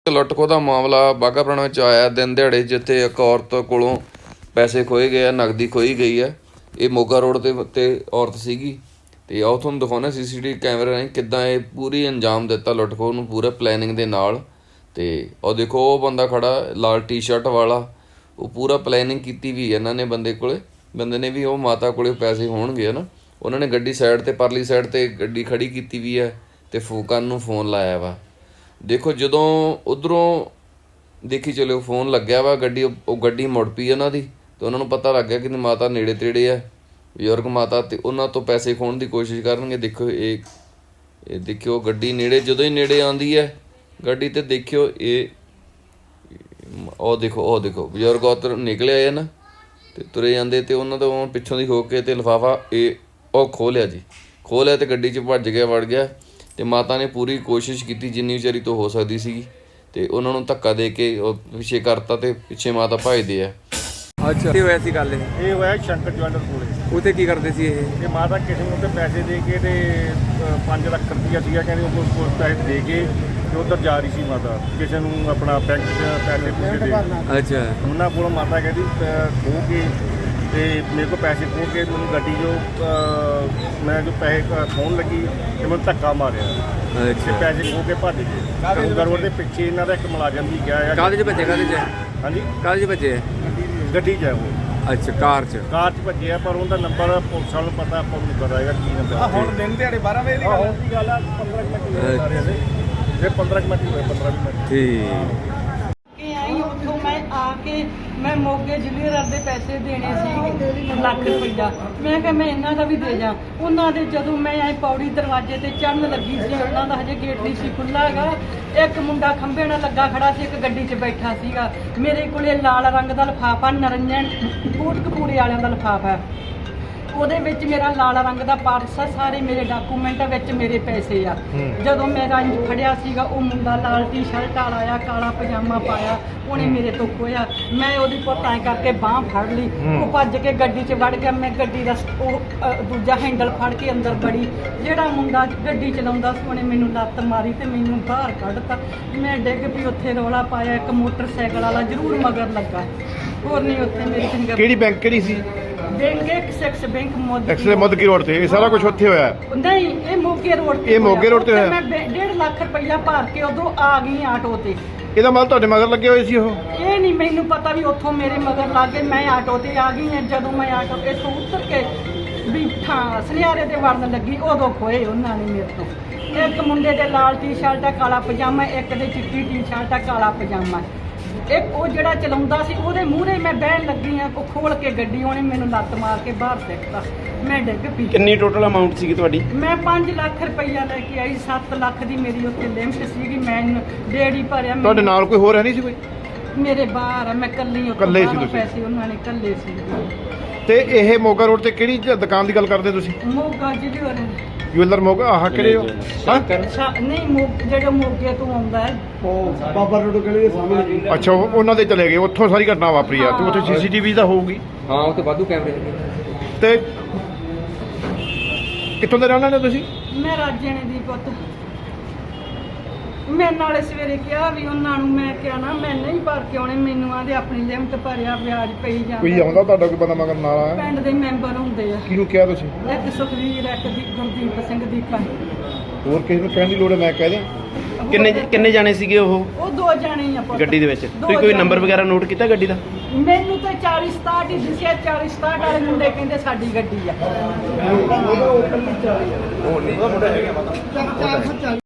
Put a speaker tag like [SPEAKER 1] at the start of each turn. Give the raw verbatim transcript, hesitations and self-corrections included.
[SPEAKER 1] ਲੁੱਟ ਖੋਹ ਦਾ ਮਾਮਲਾ ਬਾਘਾ ਪੁਰਾਣਾ ਵਿੱਚ ਆਇਆ ਦਿਨ ਦਿਹਾੜੇ, ਜਿੱਥੇ ਇੱਕ ਔਰਤ ਕੋਲੋਂ ਪੈਸੇ ਖੋਏ ਗਏ ਆ, ਨਕਦੀ ਖੋਈ ਗਈ ਹੈ। ਇਹ ਮੋਗਾ ਰੋਡ ਦੇ ਉੱਤੇ ਔਰਤ ਸੀਗੀ ਅਤੇ ਆਓ ਤੁਹਾਨੂੰ ਦਿਖਾਉਂਦੇ ਸੀ ਸੀ ਟੀ ਵੀ ਕੈਮਰੇ ਰਾਹੀਂ ਕਿੱਦਾਂ ਇਹ ਪੂਰੀ ਅੰਜਾਮ ਦਿੱਤਾ ਲੁੱਟ ਖੋਹ ਨੂੰ, ਪੂਰੇ ਪਲੈਨਿੰਗ ਦੇ ਨਾਲ। ਅਤੇ ਉਹ ਦੇਖੋ ਉਹ ਬੰਦਾ ਖੜਾ ਲਾਲ ਟੀ ਸ਼ਰਟ ਵਾਲਾ, ਉਹ ਪੂਰਾ ਪਲੈਨਿੰਗ ਕੀਤੀ ਵੀ ਇਹਨਾਂ ਨੇ ਬੰਦੇ ਕੋਲ ਬੰਦੇ ਨੇ ਵੀ ਉਹ ਮਾਤਾ ਕੋਲ ਪੈਸੇ ਹੋਣਗੇ ਹੈ ਨਾ। ਉਹਨਾਂ ਨੇ ਗੱਡੀ ਸਾਈਡ 'ਤੇ ਪਰਲੀ ਸਾਈਡ 'ਤੇ ਗੱਡੀ ਖੜੀ ਕੀਤੀ ਵੀ ਹੈ ਅਤੇ ਫੂਕਨ ਨੂੰ ਫੋਨ ਲਾਇਆ ਵਾ। ਦੇਖੋ ਜਦੋਂ ਉੱਧਰੋਂ ਦੇਖੀ ਚਲੋ ਫੋਨ ਲੱਗਿਆ ਵਾ, ਗੱਡੀ ਉਹ ਗੱਡੀ ਮੁੜ ਪਈ ਉਹਨਾਂ ਦੀ, ਅਤੇ ਉਹਨਾਂ ਨੂੰ ਪਤਾ ਲੱਗ ਗਿਆ ਕਿ ਮਾਤਾ ਨੇੜੇ ਤੇੜੇ ਆ, ਬਜ਼ੁਰਗ ਮਾਤਾ, ਅਤੇ ਉਹਨਾਂ ਤੋਂ ਪੈਸੇ ਖੋਹਣ ਦੀ ਕੋਸ਼ਿਸ਼ ਕਰਨਗੇ। ਦੇਖੋ ਇਹ ਇਹ ਦੇਖਿਓ ਗੱਡੀ ਨੇੜੇ, ਜਦੋਂ ਹੀ ਨੇੜੇ ਆਉਂਦੀ ਹੈ ਗੱਡੀ, ਅਤੇ ਦੇਖਿਓ ਇਹ ਉਹ ਦੇਖੋ ਉਹ ਦੇਖੋ ਬਜ਼ੁਰਗ ਉੱਧਰ ਨਿਕਲੇ ਆ ਨਾ, ਅਤੇ ਤੁਰੇ ਜਾਂਦੇ, ਅਤੇ ਉਹਨਾਂ ਤੋਂ ਪਿੱਛੋਂ ਦੀ ਹੋ ਕੇ ਅਤੇ ਲਿਫਾਫਾ ਇਹ ਉਹ ਖੋਹ ਲਿਆ ਜੀ, ਖੋਹ ਲਿਆ ਅਤੇ ਗੱਡੀ 'ਚ ਭੱਜ ਗਿਆ, ਵੜ ਗਿਆ। ਅਤੇ ਮਾਤਾ ਨੇ ਪੂਰੀ ਕੋਸ਼ਿਸ਼ ਕੀਤੀ ਜਿੰਨੀ ਵਿਚਾਰੀ ਤੋਂ ਹੋ ਸਕਦੀ ਸੀਗੀ, ਅਤੇ ਉਹਨਾਂ ਨੂੰ ਧੱਕਾ ਦੇ ਕੇ ਉਹ ਪਿੱਛੇ ਕਰਤਾ, ਅਤੇ ਪਿੱਛੇ ਮਾਤਾ ਭੱਜਦੇ ਆ।
[SPEAKER 2] ਅੱਛਾ, ਕੀ ਹੋਇਆ ਸੀ ਗੱਲ? ਇਹ
[SPEAKER 3] ਇਹ ਹੋਇਆ ਸ਼ੰਕਰ ਜਵੈਲਰ ਕੋਲੇ।
[SPEAKER 2] ਉੱਥੇ ਕੀ ਕਰਦੇ ਸੀ ਇਹ?
[SPEAKER 3] ਇਹ ਮਾਤਾ ਕਿਸੇ ਨੂੰ ਉੱਤੇ ਪੈਸੇ ਦੇ ਕੇ ਤੇ ਪੰਜ ਲੱਖ ਰੁਪਈਆ ਸੀਗਾ, ਕਹਿੰਦੇ ਉਹ ਕੋਲ ਪੈਸੇ ਦੇ ਕੇ ਤੇ ਉੱਧਰ ਜਾ ਰਹੀ ਸੀ ਮਾਤਾ, ਕਿਸੇ ਨੂੰ ਆਪਣਾ ਬੈਂਕ 'ਚ ਪੈਸੇ ਪੂਸੇ ਦੇ।
[SPEAKER 2] ਅੱਛਾ,
[SPEAKER 3] ਉਹਨਾਂ ਕੋਲੋਂ ਮਾਤਾ ਕਹਿੰਦੀ ਖੋਹ ਕੇ ਤੇ ਮੇਰੇ ਕੋਲ ਪੈਸੇ ਖੋਹ ਕੇ ਮੈਨੂੰ ਗੱਡੀ ਜੋ ਮੈਂ ਜੋ ਪੈਸੇ ਖੋਹਣ ਲੱਗੀ ਤੇ ਮੈਨੂੰ ਧੱਕਾ ਮਾਰਿਆ, ਤੇ
[SPEAKER 2] ਅੱਛਾ।
[SPEAKER 3] ਪੈਸੇ ਖੋਹ ਕੇ ਭੱਜ ਗਏ। ਗੰਗਾ ਰੋਡ ਦੇ ਪਿੱਛੇ ਇਹਨਾਂ ਦਾ ਇੱਕ ਮੁਲਾਜ਼ਮ ਵੀ ਗਿਆ ਆ।
[SPEAKER 2] ਕਾਹਦੇ 'ਚ ਭੱਜੇ? ਕਾਹਦੇ 'ਚ?
[SPEAKER 3] ਹਾਂਜੀ,
[SPEAKER 2] ਕਾਹਦੇ 'ਚ ਭੱਜੇ?
[SPEAKER 3] ਗੱਡੀ 'ਚ ਹੈ ਉਹ।
[SPEAKER 2] ਅੱਛਾ, ਕਾਰ 'ਚ?
[SPEAKER 3] ਕਾਰ 'ਚ ਭੱਜਿਆ, ਪਰ ਉਹਦਾ ਨੰਬਰ ਪੁਲਿਸ ਵਾਲਿਆਂ ਨੂੰ ਪਤਾ, ਆਪਾਂ ਨੂੰ ਪਤਾ ਹੈਗਾ ਕੀ ਨੰਬਰ।
[SPEAKER 4] ਹੁਣ ਦਿਨ ਦਿਹਾੜੇ ਬਾਰਾਂ ਵਜੇ ਦੀ ਗੱਲ
[SPEAKER 3] ਹੁਣ ਦੀ ਗੱਲ ਆ, ਪੰਦਰਾਂ ਕੁ ਮਿੰਟ ਹੋਏ ਸਾਰੇ ਦੇ, ਇਹ ਪੰਦਰਾਂ ਕੁ ਮਿੰਟ ਹੋਏ, ਪੰਦਰਾਂ ਵੀਹ ਮਿੰਟ।
[SPEAKER 2] ਠੀਕ।
[SPEAKER 5] ਕਿ ਆਈ ਉੱਥੋਂ ਮੈਂ ਆ ਕੇ ਮੈਂ ਮੋਗੇ ਜ਼ਿਲ੍ਹੇਦਾਰ ਦੇ ਪੈਸੇ ਦੇਣੇ ਸੀ ਲੱਖ ਰੁਪਈਆ। ਮੈਂ ਕਿਹਾ ਮੈਂ ਇਹਨਾਂ ਦਾ ਵੀ ਦੇ ਜਾ। ਉਹਨਾਂ ਦੇ ਜਦੋਂ ਮੈਂ ਐ ਪੌੜੀ ਦਰਵਾਜ਼ੇ ਤੇ ਚੜ੍ਹਨ ਲੱਗੀ ਸੀ, ਉਹਨਾਂ ਦਾ ਹਜੇ ਗੇਟ ਨਹੀਂ ਸੀ ਖੁੱਲ੍ਹਾ ਹੈਗਾ, ਇੱਕ ਮੁੰਡਾ ਖੰਭੇ ਨਾਲ ਲੱਗਾ ਖੜਾ ਸੀ, ਇੱਕ ਗੱਡੀ 'ਚ ਬੈਠਾ ਸੀਗਾ। ਮੇਰੇ ਕੋਲੇ ਲਾਲ ਰੰਗ ਦਾ ਲਿਫਾਫਾ, ਨਰੰਜਨ ਕੋਟਕਪੂਰੇ ਵਾਲਿਆਂ ਦਾ ਲਿਫਾਫਾ, ਉਹਦੇ ਵਿੱਚ ਮੇਰਾ ਲਾਲ ਰੰਗ ਦਾ ਪਰਸ ਆ, ਸਾਰੇ ਮੇਰੇ ਡਾਕੂਮੈਂਟ ਵਿੱਚ ਮੇਰੇ ਪੈਸੇ ਆ। ਜਦੋਂ ਮੈਂ ਰੰਜ ਫੜਿਆ ਸੀਗਾ, ਉਹ ਮੁੰਡਾ ਲਾਲ ਟੀ ਸ਼ਰਟ ਵਾਲਾ ਆ, ਕਾਲਾ ਪਜਾਮਾ ਪਾਇਆ, ਉਹਨੇ ਮੇਰੇ ਤੋਂ ਖੋਇਆ। ਮੈਂ ਉਹਦੀ ਪੁੱਤਾਂ ਕਰਕੇ ਬਾਂਹ ਫੜ ਲਈ, ਉਹ ਭੱਜ ਕੇ ਗੱਡੀ 'ਚ ਵੜ ਗਿਆ। ਮੈਂ ਗੱਡੀ ਦਾ ਉਹ ਅ, ਦੂਜਾ ਹੈਂਡਲ ਫੜ ਕੇ ਅੰਦਰ ਵੜੀ। ਜਿਹੜਾ ਮੁੰਡਾ ਗੱਡੀ ਚਲਾਉਂਦਾ ਸੀ ਉਹਨੇ ਮੈਨੂੰ ਲੱਤ ਮਾਰੀ ਅਤੇ ਮੈਨੂੰ ਬਾਹਰ ਕੱਢਤਾ। ਮੈਂ ਡਿੱਗ ਪਈ, ਉੱਥੇ ਰੌਲਾ ਪਾਇਆ। ਇੱਕ ਮੋਟਰਸਾਈਕਲ ਵਾਲਾ ਜ਼ਰੂਰ ਮਗਰ ਲੱਗਾ, ਹੋਰ ਨਹੀਂ ਉੱਥੇ ਮੇਰੀ ਫਿੰਗਰ।
[SPEAKER 4] ਕਿਹੜੀ ਬੈਂਕ ਕਿਹੜੀ ਸੀ?
[SPEAKER 5] ਬੈਂਕ ਐਕਸਿਸ ਬੈਂਕ ਮੋਦੀ
[SPEAKER 4] ਐਕਸਲੇ ਮੋਦਕੀ ਰੋਡ ਤੇ। ਇਹ ਸਾਰਾ ਕੁਝ ਉੱਥੇ ਹੋਇਆ?
[SPEAKER 5] ਨਹੀਂ, ਇਹ ਮੋਗੇ ਰੋਡ ਤੇ।
[SPEAKER 4] ਇਹ ਮੋਗੇ ਰੋਡ ਤੇ ਹੋਇਆ?
[SPEAKER 5] ਮੈਂ ਡੇਢ ਲੱਖ ਰੁਪਈਆ ਭਰ ਕੇ ਉਦੋਂ ਆ ਗਈ ਆਟੋ ਤੇ।
[SPEAKER 4] ਇਹਦਾ ਮਤਲਬ ਤੁਹਾਡੇ ਮਗਰ ਲੱਗੇ ਹੋਏ ਸੀ ਉਹ?
[SPEAKER 5] ਇਹ ਨਹੀਂ ਮੈਨੂੰ ਪਤਾ ਵੀ ਉੱਥੋਂ ਮੇਰੇ ਮਗਰ ਲੱਗ ਗਏ। ਮੈਂ ਆਟੋ ਤੇ ਆ ਗਈ ਹਾਂ। ਜਦੋਂ ਮੈਂ ਆਟੋ ਇੱਥੋਂ ਉਤਰ ਕੇ ਵੀ ਥਾਂ ਸੁਨਿਆਰੇ ਤੇ ਵੜਨ ਲੱਗੀ, ਉਦੋਂ ਖੋਏ ਉਹਨਾਂ ਨੇ ਮੇਰੇ ਤੋਂ। ਇੱਕ ਮੁੰਡੇ ਦੇ ਲਾਲ ਟੀ ਸ਼ਰਟ ਆ, ਕਾਲਾ ਪਜਾਮਾ, ਇੱਕ ਦੇ ਚਿੱਟੀ ਟੀ ਸ਼ਰਟ ਆ, ਕਾਲਾ ਪਜਾਮਾ। ਇੱਕ ਉਹ ਜਿਹੜਾ ਚਲਾਉਂਦਾ ਸੀ, ਉਹਦੇ ਮੂਹਰੇ ਮੈਂ ਬਹਿਣ ਲੱਗੀ ਆ, ਉਹ ਖੋਲ ਕੇ ਗੱਡੀ, ਉਹਨੇ ਮੈਨੂੰ ਲੱਤ ਮਾਰ ਕੇ ਬਾਹਰ ਸਿੱਟਤਾ। ਮੈਂ ਡਿੱਗ ਪਈ।
[SPEAKER 4] ਕਿੰਨੀ ਟੋਟਲ ਅਮਾਉਂਟ ਸੀਗੀ ਤੁਹਾਡੀ?
[SPEAKER 5] ਮੈਂ ਪੰਜ ਲੱਖ ਰੁਪਈਆ ਲੈ ਕੇ ਆਈ। ਸੱਤ ਲੱਖ ਦੀ ਮੇਰੀ ਉੱਥੇ ਲਿਮਟ ਸੀਗੀ, ਮੈਂ ਡੇੜੀ ਭਰਿਆ।
[SPEAKER 4] ਤੁਹਾਡੇ ਨਾਲ ਕੋਈ ਹੋਰ ਹੈ ਨਹੀਂ ਸੀ ਕੋਈ?
[SPEAKER 5] ਮੇਰੇ ਬਾਹਰ ਆ, ਮੈਂ ਕੱਲੀ ਉੱਥੇ
[SPEAKER 4] ਇਕੱਲੇ ਸੀ
[SPEAKER 5] ਬਾਹਰੋਂ
[SPEAKER 4] ਤੁਸੀਂ?
[SPEAKER 5] ਪੈਸੇ ਉਹਨਾਂ ਨੇ ਕੱਲੇ ਸੀ।
[SPEAKER 4] ਤੇ ਇਹ ਮੋਗਾ ਰੋਡ ਤੇ ਕਿਹੜੀ ਜ- ਦੁਕਾਨ ਦੀ ਗੱਲ ਕਰਦੇ ਤੁਸੀਂ?
[SPEAKER 5] ਮੋਗਾ ਜਿਹੜੇ
[SPEAKER 4] ਜੁਐਲਰ ਮੋਗਾ, ਆਹ ਕਿਹੜੇ ਹੋ? ਹਾਂ,
[SPEAKER 5] ਨਹੀਂ, ਮੋਗ ਜਿਹੜੇ ਮੋਗੇ ਤੋਂ ਆਉਂਦਾ ਹੈ।
[SPEAKER 4] ਬਾਬਾ ਰੋਡ ਕਿਹੜੇ ਦੇ ਸਾਹਮਣੇ? ਅੱਛਾ, ਉਹ- ਉਹਨਾਂ ਦੇ ਚਲੇ ਗਏ, ਉੱਥੋਂ ਸਾਰੀ ਘਟਨਾ ਵਾਪਰੀ ਆ। ਤੇ ਉੱਥੇ ਸੀਸੀਟੀਵੀ ਤਾਂ ਹੋਊਗੀ?
[SPEAKER 2] ਹਾਂ, ਉੱਥੇ ਵਾਧੂ ਕੈਮਰੇ ਲੱਗੇ।
[SPEAKER 4] ਤੇ ਕਿੱਥੋਂ ਦੇ ਰਹਿਣ ਵਾਲੇ ਹੋ ਤੁਸੀਂ?
[SPEAKER 5] ਮੈਂ ਰਾਜੇਣੇ ਦੀ ਪੁੱਤ। ਮੈਂ ਨਾਲੇ ਸਵੇਰੇ ਕਿਹਾ ਵੀ ਉਹਨਾਂ ਨੂੰ, ਮੈਂ ਕਿਹਾ ਨਾ ਮੈਂ ਨਹੀਂ ਭਰ ਕੇ ਆਉਣੇ, ਮੈਨੂੰ ਆਂਦੇ ਆਪਣੀ ਲਿਮਟ ਭਰਿਆ, ਵਿਆਜ ਪਈ
[SPEAKER 4] ਕੋਈ
[SPEAKER 5] ਜਾਂਦਾ।
[SPEAKER 4] ਆਉਂਦਾ ਤੁਹਾਡਾ ਕੋਈ ਬੰਦਾ ਮਗਰ ਨਾਲ ਆਇਆ?
[SPEAKER 5] ਪਿੰਡ ਦੇ ਮੈਂਬਰ ਹੁੰਦੇ ਆ,
[SPEAKER 4] ਕਿਹਨੂੰ ਕਿਹਾ ਤੁਸੀਂ?
[SPEAKER 5] ਇੱਕ ਸੁਖਵੀਰ, ਇੱਕ ਦੀ ਗੁਰਦੀਪ ਸਿੰਘ ਦੀਪਾ।
[SPEAKER 4] ਹੋਰ ਕਿਸੇ ਨੂੰ ਕਹਿਣ ਦੀ ਲੋੜ ਹੈ? ਮੈਂ ਕਹਿ ਦਿਆਂ।
[SPEAKER 6] ਕਿੰਨੇ ਕਿੰਨੇ ਜਾਣੇ ਸੀਗੇ ਉਹ
[SPEAKER 5] ਉਹ ਦੋ ਜਾਣੇ ਹੀ ਆ ਪੁੱਤ।
[SPEAKER 6] ਗੱਡੀ ਦੇ ਵਿੱਚ?
[SPEAKER 5] ਦੋ
[SPEAKER 6] ਤੁਸੀਂ ਕੋਈ
[SPEAKER 5] ਜਾਣੇ।
[SPEAKER 6] ਨੰਬਰ ਵਗੈਰਾ ਨੋਟ ਕੀਤਾ ਗੱਡੀ ਦਾ?
[SPEAKER 5] ਮੈਨੂੰ ਤਾਂ ਚਾਲੀ ਸਤਾਹਠ ਹੀ ਦਿਸਿਆ। ਚਾਲੀ ਸਤਾਹਠ ਵਾਲੇ ਮੁੰਡੇ ਕਹਿੰਦੇ ਸਾਡੀ ਗੱਡੀ ਆ।